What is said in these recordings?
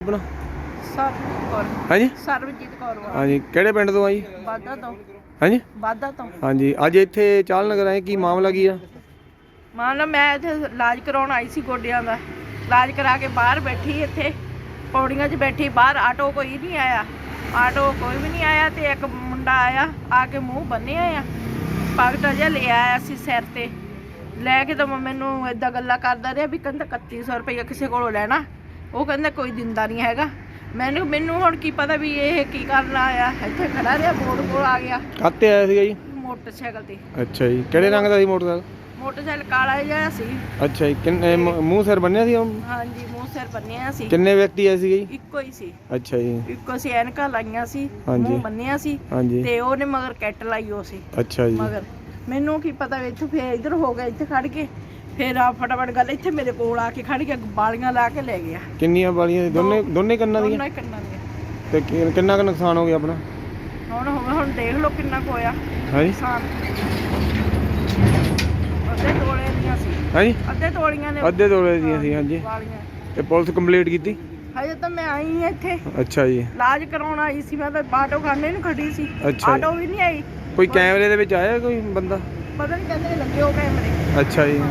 ਆਪਣਾ ਸਰਬਜੀਤ ਕੌਰ। ਹਾਂਜੀ ਸਰਬਜੀਤ ਕੌਰ ਹਾਂਜੀ ਕਿਹੜੇ ਪਿੰਡ ਤੋਂ ਆ ਜੀ? ਵਾਧਾ ਤੋਂ। ਹਾਂਜੀ ਵਾਧਾ ਤੋਂ ਹਾਂਜੀ ਅੱਜ ਇੱਥੇ ਚਾਲ ਨਗਰ ਆਏ, ਕੀ ਮਾਮਲਾ ਕੀ ਆ? ਮੰਨ ਲਓ ਮੈਂ ਇੱਥੇ ਇਲਾਜ ਕਰਾਉਣ ਆਈ ਸੀ ਗੋਡਿਆਂ ਦਾ। ਇਲਾਜ ਕਰਾ ਕੇ ਬਾਹਰ ਬੈਠੀ ਇੱਥੇ ਪੌੜੀਆਂ 'ਚ ਬੈਠੀ, ਬਾਹਰ ਆਟੋ ਕੋਈ ਨਹੀਂ ਆਇਆ, ਆਟੋ ਕੋਈ ਵੀ ਨਹੀਂ ਆਇਆ। ਤੇ ਇੱਕ ਮੁੰਡਾ ਆਇਆ, ਆ ਕੇ ਮੂੰਹ ਬੰਨਿਆ ਆ, ਪਗਟ ਜਿਹਾ ਲੈ ਆਇਆ ਸੀ ਸਿਰ ਤੇ ਲੈ ਕੇ। ਤਾਂ ਮੈਨੂੰ ਏਦਾਂ ਗੱਲਾਂ ਕਰਦਾ ਰਿਹਾ ਵੀ ਕਹਿੰਦਾ 3100 ਰੁਪਈਆ ਕਿਸੇ ਕੋਲੋਂ ਲੈਣਾ। ਉਹ ਕਹਿੰਦਾ ਕੋਈ ਦਿੰਦਾ ਨਹੀਂ ਹੈਗਾ। ਮੈਨੂੰ ਹੁਣ ਕੀ ਪਤਾ ਵੀ ਇਹ ਕੀ ਕਰਨ ਆਇਆ। ਇੱਥੇ ਖੜਾ ਰਿਹਾ, ਬੋਰਡ ਕੋਲ ਆ ਗਿਆ। ਕਾਹਤੇ ਆਇਆ ਸੀਗਾ ਜੀ? ਮੋਟਰਸਾਈਕਲ ਤੇ। ਅੱਛਾ ਜੀ, ਕਿਹੜੇ ਰੰਗ ਦਾ ਸੀ ਮੋਟਰਸਾਈਕਲ? ਮੋਟਰਸਾਈਕਲ ਕਾਲਾ ਜਿਹਾ ਸੀ। ਅੱਛਾ ਜੀ, ਕਿੰਨੇ ਮੂੰਹ ਸਿਰ ਬੰਨਿਆ ਸੀ? ਹਾਂਜੀ, ਮੂੰਹ ਸਿਰ ਬੰਨਿਆ ਸੀ। ਕਿੰਨੇ ਵਿਅਕਤੀ ਆਏ ਸੀਗੇ ਜੀ? ਇੱਕੋ ਹੀ ਸੀ। ਅੱਛਾ ਜੀ, ਇੱਕੋ ਸੀ, ਐਨਕਾਂ ਲਾਈਆਂ ਸੀ, ਹਾਂਜੀ। ਮੂੰਹ ਬੰਨਿਆ ਸੀ। ਹਾਂਜੀ ਤੇ ਉਹਨੇ ਮਗਰ ਕੈਟ ਲਾਈ ਉਹ ਸੀ ਅੱਛਾ ਜੀ। ਮਗਰ। ਮੈਨੂੰ ਕੀ ਪਤਾ ਵੀ ਇੱਥੋਂ ਫੇਰ ਇੱਧਰ ਹੋ ਗਿਆ, ਇੱਥੇ ਖੜ ਕੇ ਫੇਰ ਆ ਫਟਾਫਟ ਗੱਲ ਇੱਥੇ ਮੇਰੇ ਕੋਲ ਆ ਕੇ ਖੜ ਕੇ ਬਾਲੀਆਂ ਲਾ ਕੇ ਲੈ ਗਿਆ। ਕਿੰਨੀਆਂ ਬਾਲੀਆਂ? ਦੋਨੇ ਕੰਨਾਂ ਦੀਆਂ? ਦੋਨਾਂ ਹੀ ਕੰਨਾਂ ਦੀਆਂ। ਤੇ ਕਿੰਨਾ ਕੁ ਨੁਕਸਾਨ ਹੋ ਗਿਆ ਆਪਣਾ? ਹੁਣ ਦੇਖ ਲਓ ਕਿੰਨਾ ਕੁ ਹੋਇਆ ਹਾਂਜੀ ਨੁਕਸਾਨ। ਅੱਧੇ ਤੋਲੇ ਦੀਆਂ ਸੀ। ਹਾਂਜੀ ਅੱਧੇ ਤੋਲੀਆਂ ਨੇ। ਅੱਧੇ ਤੋਲੇ ਦੀਆਂ ਸੀ, ਹਾਂਜੀ। ਵਾਲੀਆਂ। ਤੇ ਪੁਲਿਸ ਕੰਪਲੀਟ ਕੀਤੀ? ਹਜੇ ਤਾਂ ਮੈਂ ਆਈ ਹਾਂ ਇੱਥੇ ਅੱਛਾ ਜੀ, ਇਲਾਜ ਕਰਾਉਣ ਆਈ ਸੀ। ਮੈਂ ਤਾਂ ਆਟੋ ਖਾਨੇ ਨੂੰ ਖੜੀ ਸੀ, ਅੱਛਾ। ਆਟੋ ਵੀ ਨਹੀਂ ਆਈ। ਕੋਈ ਕੈਮਰੇ ਦੇ ਵਿੱਚ ਆਇਆ ਕੋਈ ਬੰਦਾ? ਪਤਾ ਨਹੀਂ, ਕਹਿੰਦੇ ਲੱਗੇ ਹੋ ਕੈਮਰੇ। ਅੱਛਾ ਜੀ।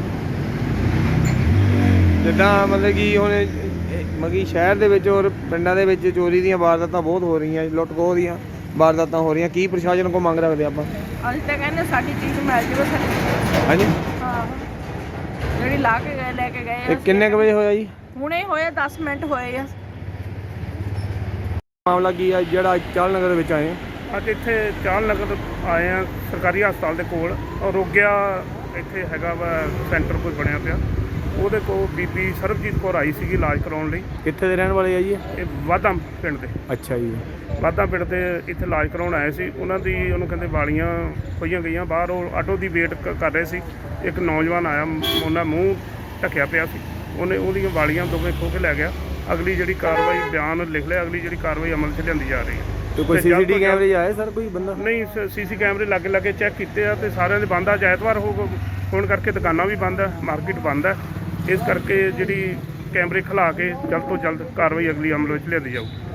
ਜਿੱਦਾਂ ਮਤਲਬ ਕਿ ਹੁਣ ਸ਼ਹਿਰ ਦੇ ਵਿੱਚ ਔਰ ਪਿੰਡਾਂ ਦੇ ਵਿੱਚ ਚੋਰੀ ਦੀਆਂ ਵਾਰਦਾਤਾਂ ਬਹੁਤ ਹੋ ਰਹੀਆਂ, ਲੁੱਟ ਖੋਹ ਦੀਆਂ ਵਾਰਦਾਤਾਂ ਹੋ ਰਹੀਆਂ, ਕੀ ਪ੍ਰਸ਼ਾਸਨ ਕੋਲ ਮੰਗ ਰੱਖਦੇ ਆਪਾਂ? ਅਸੀਂ ਤਾਂ ਕਹਿੰਦੇ ਸਾਡੀ ਚੀਜ਼ ਮਿਲ ਜਾਵੇ ਸਾਡੀ। ਹਾਂਜੀ, ਹਾਂ, ਜਿਹੜੀ ਲਾ ਕੇ ਗਏ ਲੈ ਕੇ ਗਏ ਇਹ ਆ। ਕਿੰਨੇ ਕੁ ਵਜੇ ਹੋਇਆ ਜੀ ਹੁਣੇ ਹੋਏ 10 ਮਿੰਟ ਹੋਏ ਆ। ਮਾਮਲਾ ਕੀ ਆ ਜਿਹੜਾ ਚਾਲ ਨਗਰ ਦੇ ਵਿੱਚ ਆਏ? ਅੱਜ ਇੱਥੇ ਚਾਲ ਨਗਰ ਆਏ ਆ, ਸਰਕਾਰੀ ਹਸਪਤਾਲ ਦੇ ਕੋਲ। ਰੋਗਿਆ ਇੱਥੇ ਹੈਗਾ ਵਾ ਸੈਂਟਰ ਕੋਈ ਬਣਿਆ ਪਿਆ, ਉਹਦੇ ਕੋਲ ਬੀਬੀ ਸਰਬਜੀਤ ਕੌਰ ਆਈ ਸੀਗੀ ਇਲਾਜ ਕਰਾਉਣ ਲਈ। ਕਿੱਥੇ ਦੇ ਰਹਿਣ ਵਾਲੇ ਆ ਜੀ? ਇਹ ਵਾਧਾ ਪਿੰਡ ਦੇ। ਅੱਛਾ ਜੀ, ਵਾਧਾ ਪਿੰਡ ਦੇ ਇੱਥੇ ਇਲਾਜ ਕਰਾਉਣ ਆਏ ਸੀ। ਉਹਨੂੰ ਕਹਿੰਦੇ ਵਾਲੀਆਂ ਖੋਈਆਂ ਗਈਆਂ ਬਾਹਰ। ਉਹ ਆਟੋ ਦੀ ਵੇਟ ਕਰ ਰਹੇ ਸੀ। ਇੱਕ ਨੌਜਵਾਨ ਆਇਆ, ਉਹਨਾਂ ਮੂੰਹ ਢੱਕਿਆ ਪਿਆ ਸੀ, ਉਹਨੇ ਉਹਦੀਆਂ ਵਾਲੀਆਂ ਦੋਵੇਂ ਖੋਹ ਕੇ ਲੈ ਗਿਆ। ਅਗਲੀ ਜਿਹੜੀ ਕਾਰਵਾਈ, ਬਿਆਨ ਲਿਖ ਲਿਆ, ਅਗਲੀ ਜਿਹੜੀ ਕਾਰਵਾਈ ਅਮਲ 'ਚ ਲਿਆਂਦੀ ਜਾ ਰਹੀ ਹੈ। ਤੇ ਕੋਈ ਸੀਸੀਟੀਵੀ ਕੈਮਰੇ ਆਏ ਸਰ ਕੋਈ ਬੰਦਾ? ਨਹੀਂ, ਸੀਸੀ ਕੈਮਰੇ ਲਾਗੇ ਚੈੱਕ ਕੀਤੇ ਆ ਤੇ ਸਾਰਿਆਂ ਦੇ ਬੰਦ ਆ। ਐਤਵਾਰ ਹੋਣ ਕਰਕੇ ਦੁਕਾਨਾਂ ਵੀ ਬੰਦ ਹੈ, ਮਾਰਕੀਟ ਬੰਦ ਹੈ। ਇਸ ਕਰਕੇ ਜਿਹੜੀ ਕੈਮਰੇ ਖਿਲਾ ਕੇ ਜਲਦ ਤੋਂ ਜਲਦ ਕਾਰਵਾਈ ਅਗਲੀ ਅਮਲ ਵਿੱਚ ਲਿਆਂਦੀ ਜਾਊ।